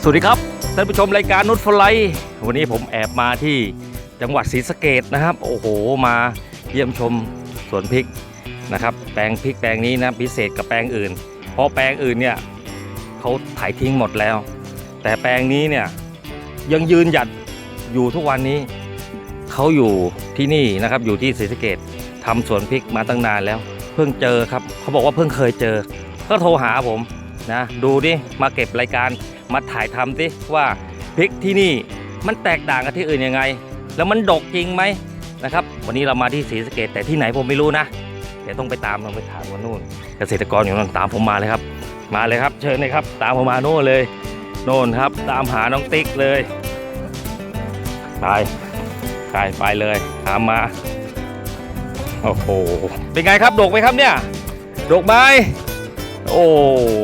สวัสดีครับท่านผู้ชมรายการนุชฟลายวันนี้ผมแอบมาที่จังหวัดศรีสะเกษนะครับโอ้โหมาเยี่ยมชมสวนพริกนะครับแปลงพริกแปลงนี้นะพิเศษกับแปลงอื่นเพราะแปลงอื่นเนี่ยเขาถ่ายทิ้งหมดแล้วแต่แปลงนี้เนี่ยยังยืนหยัดอยู่ทุกวันนี้เขาอยู่ที่นี่นะครับอยู่ที่ศรีสะเกษทำสวนพริกมาตั้งนานแล้วเพิ่งเจอครับเขาบอกว่าเพิ่งเคยเจอก็โทรหาผมนะดูดิมาเก็บรายการมาถ่ายทำสิว่าพริกที่นี่มันแตกต่างกับที่อื่นยังไงแล้วมันดกจริงไหมนะครับวันนี้เรามาที่ศรีสะเกษแต่ที่ไหนผมไม่รู้นะเดี๋ยวต้องไปถามวันนู่นเกษตรกรอยู่นั่นตามผมมาเลยครับมาเลยครับเชิญเลยครับตามผมมาโน่นเลยโน่นครับตามหาน้องติ๊กเลยไปเลยตามมาโอ้โหเป็นไงครับดกไหมครับเนี่ยดกไหมโอ้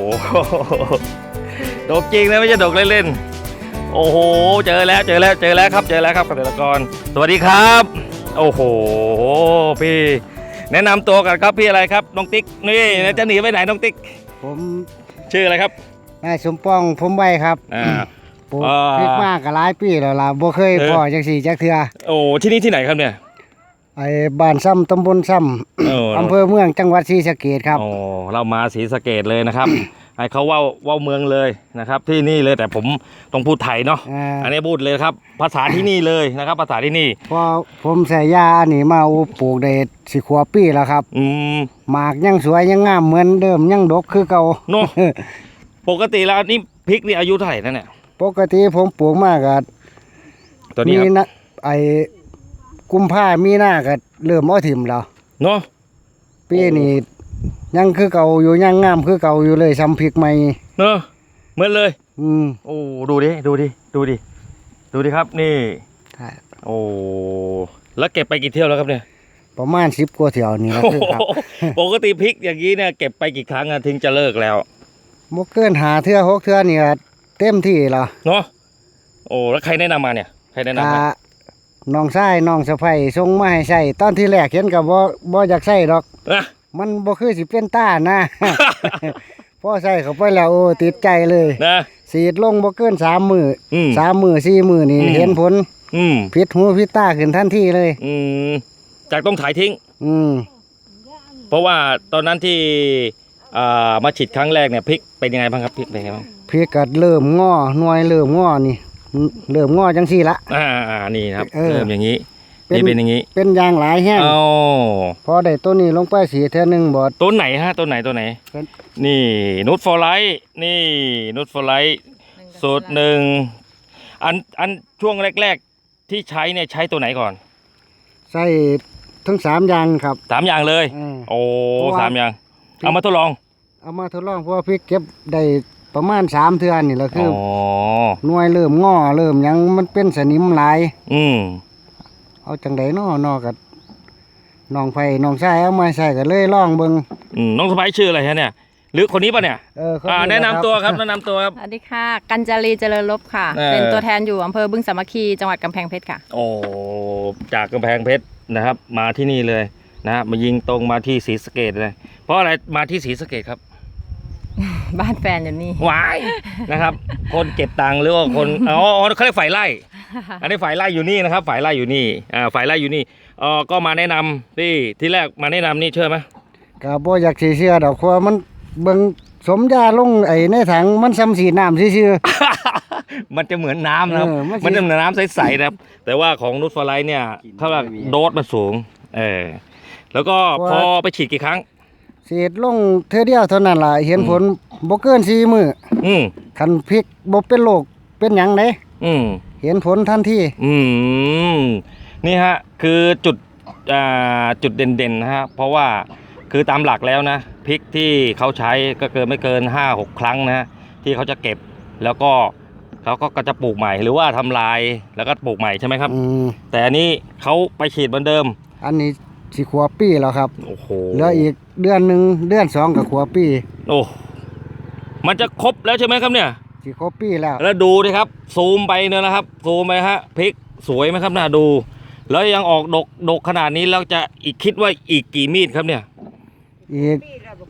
ดกจริงนะไม่ใช่ดกเล่นๆโอ้โหเจอแล้วครับเกษตรกรสวัสดีครับโอ้โหพี่แนะนำตัวกันครับพี่อะไรครับน้องติ๊กนี่จะหนีไปไหนน้องติ๊กผมชื่ออะไรครับนายสมปองผมไว้ครับปลูกพริกมากก็หลายปีแล้วล่ะบ่เคยพอจังสี่จักเทื่อโอ้ที่นี่ที่ไหนครับเนี่ยไอ้บ้านซ้ำตำบลซ้ำอำเภอเมืองจังหวัดศรีสะเกษครับโอ้เรามาศรีสะเกษเลยนะครับให้เขาว่าเมืองเลยนะครับที่นี่เลยแต่ผมต้องพูดไทยเนาะอันนี้พูดเลยครับภาษาที่นี่เลยนะครับภาษาที่นี่พอผมใส่ยาอันนี้มาปลูกได้สิขวบปีแล้วครับหมากยังสวยยังงามเหมือนเดิมยังดกคือเก่าเนาะปกติแล้วนี่พริกนี่อายุเท่าไหร่นั่นเนี่ยปกติผมปลูกมากก็ตัวนี้นะไอ้กุมภามีนาก็เริ่มเอาถิ่มแล้วเนาะปีนี้ยังคือเก่าอยู่ยังงามคือเก่าอยู่เลยซ้ำพริกใหม่เนอะเหมือนเลยโอ้ดูดิครับนี่โอ้แล้วเก็บไปกี่เที่ยวแล้วครับเนี่ยประมาณ10 กว่าเที่ยวนี่แล้วครับปกติพริกอย่างนี้เนี่ยเก็บไปกี่ครั้งถึงจะเลิกแล้วบ่เกิน5 เทื่อ 6 เทื่อนี่เต็มที่แล้วเนาะโอ้แล้วใครแนะนำมาเนี่ยใครแนะนำมาน้องชายน้องสะใภ้ส่งมาให้ใช้ตอนที่แรกเห็นก็บ่อยากใช้ดอกมันบ่คือสิเป็นต้านะพอใส่เข้าไปแล้วโอ้ติดใจเลยนะฉีดลงบ่เกิน3 มื้อ3 มื้อ4 มื้อนี่เห็นผลผิดหูผิดตาขึ้นทันทีเลยจากต้องถ่ายทิ้งเพราะว่าตอนนั้นที่มาฉีดครั้งแรกเนี่ยพริกเป็นยังไงบ้างครับพริกเป็นยังไงบ้างพริกก็เริ่มงอหน่วยเริ่มงอนี่เริ่มงอจังซี่ละนี่ครับเริ่มอย่างนี้นี่เป็นอย่างนี้เป็นยางหลายแห้งพอได้ต้นนี้ลงไปสีเท่านึงบอดต้นไหนฮะต้นไหนนี่นูตฟอร์ไลท์นี่นูตฟอร์ไลท์สูตรหนึ่งอันช่วงแรกๆที่ใช้เนี่ยใช้ตัวไหนก่อนใส่ทั้ง3 อย่างครับ 3 อย่างเลยโอ้3 อย่างเอามาทดลองเพราะว่าพริกเก็บได้ประมาณ3 เทื่อนี่แหละคือหน่วยเริ่มงอเริ่มยังมันเป็นสนิมหลายเอาจังไดน้อกับน้องไผ่น้องชายเอามาใส่กันเลยลองเบิ่งน้องสะใภ้ชื่ออะไรฮะเนี่ยหรือคนนี้ป่ะเนี่ยแนะนำตัวครับสวัสดีค่ะกัญจารีเจริญลบค่ะเป็นตัวแทนอยู่อำเภอบึงสามัคคีจังหวัดกำแพงเพชรค่ะโอ้จากกำแพงเพชรนะครับมาที่นี่เลยนะมายิงตรงมาที่ศรีสะเกษเลยเพราะอะไรมาที่ศรีสะเกษครับบ้านแฟนอยู่นี่วายนะครับคนเก็บตังค์หรือว่าคนเขาเรียกฝ่ายไร่อันนี้ฝ่ายไร่อยู่นี่นะครับฝ่ายไร่อยู่นี่ฝ่ายไร่อยู่นี่ก็มาแนะนำที่แรกมาแนะนำนี่เชื่อไหมก็บ่อยากสิเชื่อดอกเพราะมันเบิ่งสมยาลงในถังมันซ้ำสีน้ำซื่อมันจะเหมือนน้ำนะครับมันจะเหมือนน้ำใสๆนะครับแต่ว่าของนูตฟอร์ไลท์เนี่ยเขาว่าโดสมันสูงแล้วก็พอไปฉีดกี่ครั้งฉีดลงเท่าเดียวเท่านั้นล่ะเห็นผลบ่เกิน4 มื้อคันพริกบ่เป็นโรคเป็นหยังไดเห็นผลทันทีนี่ฮะคือจุดเด่นๆนะฮะเพราะว่าคือตามหลักแล้วนะพริกที่เขาใช้ก็ไม่เกิน 5-6 ครั้งนะที่เขาจะเก็บแล้วก็เขาก็จะปลูกใหม่หรือว่าทำลายแล้วก็ปลูกใหม่ใช่ไหมครับแต่อันนี้เขาไปฉีดเหมือนเดิมอันนี้สิขวบปีแล้วครับโอ้โหเหลืออีกเดือน 1 เดือน 2กับขวบปีโอ้มันจะครบแล้วใช่ไหมครับเนี่ยสิครบปีแล้วดูดิครับซูมไปเนี่ยนะครับซูมไปฮะพริกสวยไหมครับน่าดูแล้วยังออกดกขนาดนี้แล้วจะคิดว่าอีกกี่มีดครับเนี่ยอีก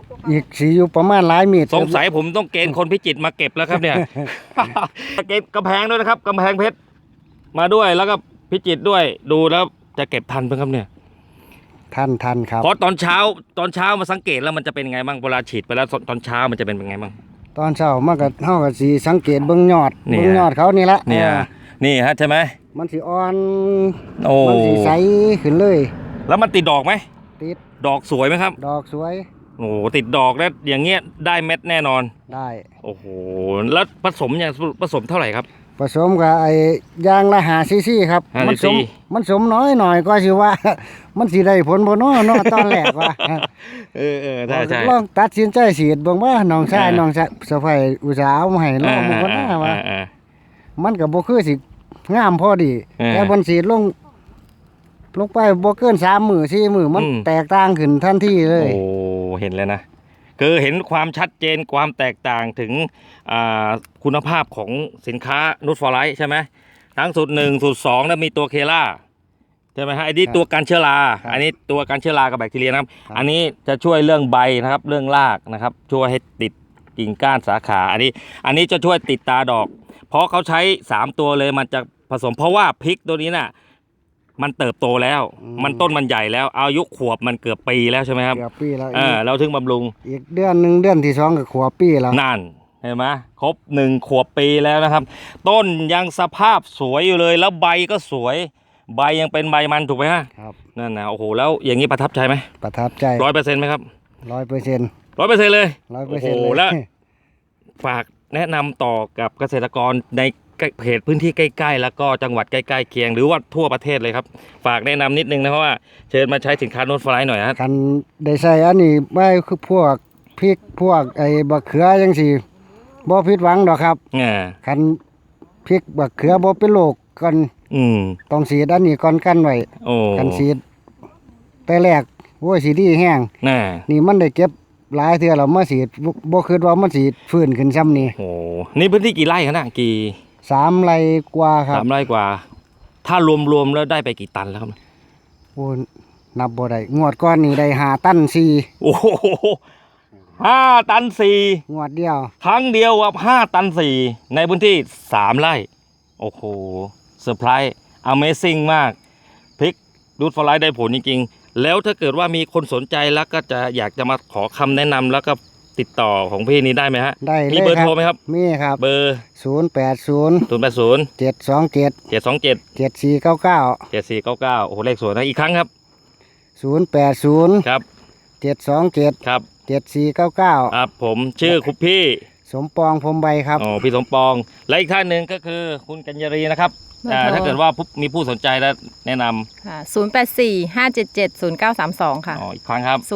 อีกสีอยู่ประมาณหลายเมตรสงสัยผมต้องเกณฑ์คนพิจิตรมาเก็บแล้วครับเนี่ย เก็บกำแพงด้วยนะครับกำแพงเพชรมาด้วยแล้วก็พิจิตรด้วยดูแล้วจะเก็บทันไหมครับเนี่ยทันครับเพราะตอนเช้ามาสังเกตแล้วมันจะเป็นยังไงบ้างเวลาฉีดไปแล้วตอนเช้ามันจะเป็นยังไงบ้างตอนเช้ามันก็เฮาก็สิสังเกตเบิ่งยอดเนี่ยเบิ่งยอดเขานี่ละเนี่ย นี่ฮะใช่ไหมมันสิอ่อนโอ้มันสิใสขึ้นเลยแล้วมันติดดอกไหมติดดอกสวยไหมครับดอกสวยโอ้โหติดดอกแล้วอย่างเงี้ยได้เม็ดแน่นอนได้โอ้โหแล้วผสมเท่าไหร่ครับผสมกับไอ้ยางละ5ซีซีครับ 5 มัสม cc มันสมน้อยหน่อยก็สิว่า มันสิได้ผลบ่เนาะตอนแรกว่าเออใช่ลองตัดสินใจฉีดเบิ่งว่าน้องชายอ่าน้องสะใภ้อุตส่าห์เอามาให้ลองมันก็น่าว่า มันก็บ่คือสิงามพอดี แต่บนสีดลงไปบ่เกิน3 มื้อ4 มื้อมันแตกต่างขึ้นทันทีเลยโอ้เห็นแล้วนะคือเห็นความชัดเจนความแตกต่างถึงคุณภาพของสินค้านูตฟอร์ไลท์ใช่ไหมทั้งสูตร1สูตร2แล้วมีตัวเคล่าใช่ไหมฮะอันนี้ตัวการเชื้อราอันนี้ตัวการเชื้อรากับแบคทีเรียนะครับอันนี้จะช่วยเรื่องใบนะครับเรื่องรากนะครับช่วยให้ติดกิ่งก้านสาขาอันนี้จะช่วยติดตาดอก เพราะเขาใช้3ตัวเลยมันจะผสมเพราะว่าพริกตัวนี้น่ะมันเติบโตแล้วมันต้นมันใหญ่แล้วอายุขวบมันเกือบปีแล้วใช่ไหมครับเกือบปีแล้วเราถึงบำรุงอีกเดือนหนึงเดือนที่2ก็ขวบปีแล้วนั่นเห็นไหมครบ1 ขวบปีแล้วนะครับ ต้นยังสภาพสวยอยู่เลยแล้วใบก็สวยใบยังเป็นใบมันถูกไหมฮะครับนั่นนะโอ้โหแล้วอย่างนี้ประทับใจไหมประทับใจ 100%ไหมครับ 100% 100%เลย 100% โอ้โหเลยแล้วฝากแนะนำต่อกับเกษตรกรในเขตพื้นที่ใกล้ๆแล้วก็จังหวัดใกล้ๆเคียงหรือว่าทั่วประเทศเลยครับฝากแนะนำนิดนึงนะเพราะว่าเชิญมาใช้สินค้านูตฟลายหน่อยฮะคันได้ใช้อันนี้ไว้คือพวกพริกพวกไอ้บักเขือจังซี่บ่ผิดหวังดอกครับ คันพริกบักเขือบ่เป็นโรคก่อนอืมต้องฉีดอันนี้ก่อนกันไว้โอ้กันฉีดแต่แรกโอ้ยสิดีแห้งน่านี่มันได้เก็บหลายเทื่อแล้วมาฉีดบ่คิดว่ามันสิฟื้นขึ้นซ้ำนี่โอ้นี่พื้นที่กี่ไร่ครับน่ะกี่ 3 ไร่กว่าครับ 3 ไร่กว่า ถ้ารวมๆแล้วได้ไปกี่ตันแล้วครับโอ้นับบ่ได้งวดก่อนนี่ได้5 ตันโอ้โห5 ตัน 4งวดเดียว 4ครั้งเดียวครับ5 ตัน 4ในพื้นที่3 ไร่โอ้โหเซอร์ไพรส์ Amazing มากพริกนูตฟลายได้ผลจริงๆแล้วถ้าเกิดว่ามีคนสนใจแล้วก็จะอยากจะมาขอคำแนะนำแล้วก็ติดต่อของพี่นี้ได้ไหมฮะได้เลยมีเบอร์โทรไหมครับมีครับเบอร์ 080 080 727 727 7499 7499โอ้โหเลขสวยนะอีกครั้งครับ 080 ครับ 727 ครับ 7499 ครับผมชื่อคุณพี่สมปองพรหมใบครับอ๋อพี่สมปองและอีกท่านหนึ่งก็คือคุณกัญญารีนะครับเบอร์โทรถ้าเกิดว่ามีผู้สนใจแล้วแนะนำค่ะ0845770932 ค่ะอ๋ออีกครั้งครับ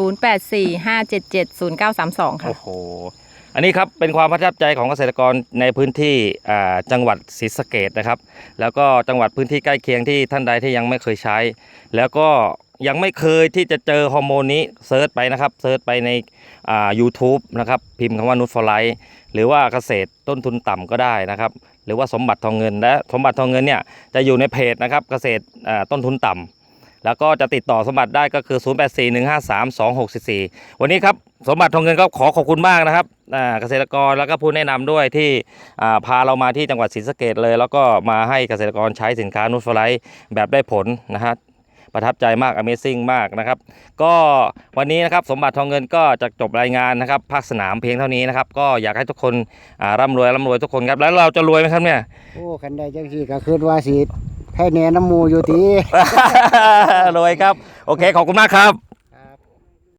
0845770932 ค่ะโอ้โหอันนี้ครับเป็นความประทับใจของเกษตรกรในพื้นที่จังหวัดศรีสะเกษนะครับแล้วก็จังหวัดพื้นที่ใกล้เคียงที่ท่านใดที่ยังไม่เคยใช้ แล้วก็ยังไม่เคยที่จะเจอฮอร์โมนนี้เซิร์ชไปนะครับเซิร์ชไปในYouTube นะครับพิมพ์คำว่านูตฟอร์ไลท์หรือว่าเกษตรต้นทุนต่ำก็ได้นะครับหรือว่าสมบัติทองเงินและสมบัติทองเงินเนี่ยจะอยู่ในเพจนะครับเกษตรต้นทุนต่ำแล้วก็จะติดต่อสมบัติได้ก็คือ 0841532644 วันนี้ครับสมบัติทองเงินก็ขอบคุณมากนะครับเกษตรกรแล้วก็ผู้แนะนำด้วยที่พาเรามาที่จังหวัดศรีสะเกษเลย แล้วก็มาให้เกษตรกรใช้สินค้านูตฟลายแบบได้ผลนะฮะประทับใจมาก Amazing มากนะครับก็วันนี้นะครับสมบัติทองเงินก็จะจบรายงานนะครับภาคสนามเพียงเท่านี้นะครับก็อยากให้ทุกคนร่ำรวยทุกคนครับแล้วเราจะรวยไหมครับเนี่ยโอ้คันใดจังซี่ก็คิดว่าสิให้แนะน้ำหมู่อยู่ติรวยครับโอเคขอบคุณมากครับ